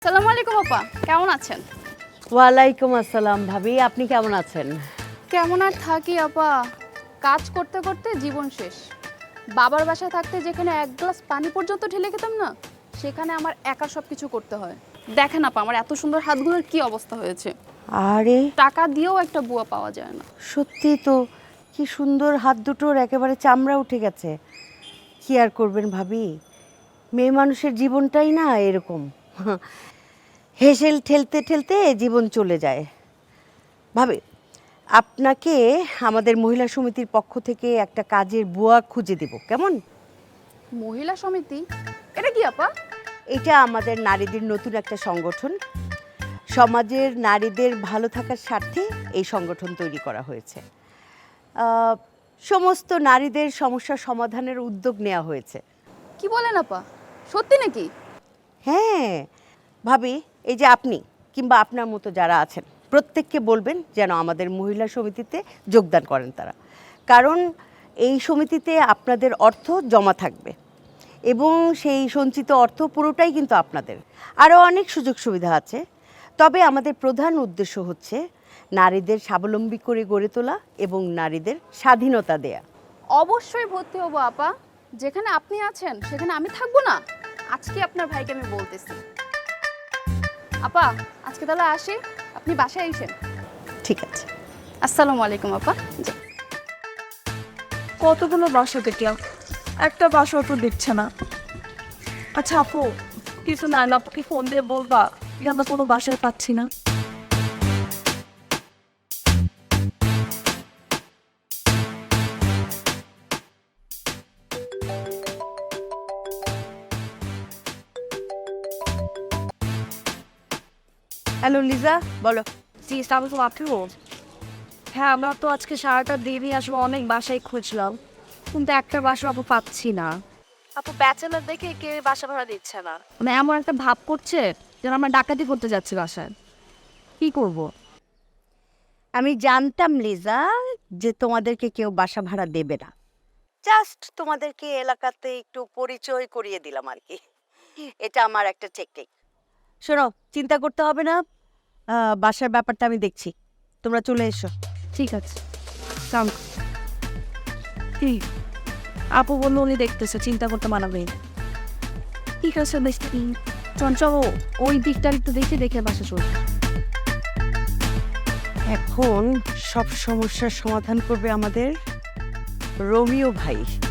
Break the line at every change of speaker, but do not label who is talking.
আসসালামু আলাইকুম আপা, কেমন আছেন?
ওয়ালাইকুম আসসালাম ভাবি, আপনি কেমন আছেন?
কেমন আর থাকি আপা, কাজ করতে করতে জীবন শেষ। বাবার বাসায় থাকতে যেখানে এক গ্লাস পানি পর্যন্ত ঢেলে খেতাম না, সেখানে আমার একা সব কিছু করতে হয়। দেখেন আপা, আমার এত সুন্দর হাতগুলোর কি অবস্থা হয়েছে।
আরে
টাকা দিয়েও একটা বুয়া পাওয়া যায় না।
সত্যি তো, কি সুন্দর হাত দুটোর একেবারে চামড়া উঠে গেছে। কি আর করবেন ভাবি, মেয়ে মানুষের জীবনটাই না এরকম, হেসেল ঠেলতে ঠেলতে জীবন চলে যায়। ভাবি, আপনাকে আমাদের মহিলা সমিতির পক্ষ থেকে একটা কাজের বুয়া খুঁজে দেব, কেমন?
মহিলা সমিতি? এটা কি আপা?
এটা আমাদের নারীদের নতুন একটা সংগঠন। সমাজের নারীদের ভালো থাকার স্বার্থে এই সংগঠন তৈরি করা হয়েছে। সমস্ত নারীদের সমস্যা সমাধানের উদ্যোগ নেওয়া হয়েছে।
কি বলেন আপা, সত্যি নাকি?
হ্যাঁ ভাবি, এই যে আপনি কিংবা আপনার মতো যারা আছেন প্রত্যেককে বলবেন যেন আমাদের মহিলা সমিতিতে যোগদান করেন তারা। কারণ এই সমিতিতে আপনাদের অর্থ জমা থাকবে এবং সেই সঞ্চিত অর্থ পুরোটাই কিন্তু আপনাদের। আরও অনেক সুযোগ সুবিধা আছে, তবে আমাদের প্রধান উদ্দেশ্য হচ্ছে নারীদের স্বাবলম্বী করে গড়ে তোলা এবং নারীদের স্বাধীনতা দেয়া।
অবশ্যই ভর্তি হবো আপা, যেখানে আপনি আছেন সেখানে আমি থাকবো না? আজকে আপনার ভাইকে আমি বলতেছি। আপা আজকে তাহলে আসি, আপনি বাসায় এসেন।
ঠিক আছে।
আসসালামু আলাইকুম আপা। জি।
কতগুলো বাসা দেখলাম, একটা বাসাও তো দিচ্ছে না। আচ্ছা আপু, কিছু না আপুকে ফোন দিয়ে বলবা যে আমরা কোনো বাসায় পাচ্ছি না।
হ্যালো লিজা, বলো।
জি আমি তো আপু, হ্যাঁ আমরা তো আজকে সারাটা দিনই আসলে অনেক বাসায় খুঁজলাম, কিন্তু একটা বাসা আপু পাচ্ছি না। আপু ব্যাচেলার দেখে কে বাসা ভাড়া দিচ্ছে না, মানে এমন একটা ভাব করছে যেন আমরা ডাকাতি করতে যাচ্ছি বাসায়। কি করব?
আমি জানতাম লিজা যে তোমাদেরকে কেউ বাসা ভাড়া দেবে না, জাস্ট তোমাদেরকে এলাকাতে একটু পরিচয় করিয়ে দিলাম আর কি। এটা আমার একটা টেকনিক। শোনো, চিন্তা করতে হবে না, বাসার ব্যাপারটা আমি দেখছি, তোমরা চলে এসো।
ঠিক আছে। কি আপু বললো উনি দেখতেছে, চিন্তা করতে মানাবে। ঠিক আছে দেখি, চঞ্চল ওই দিকটা একটু দেখে দেখে বাসা চলছে।
এখন সব সমস্যার সমাধান করবে আমাদের রোমিও ভাই।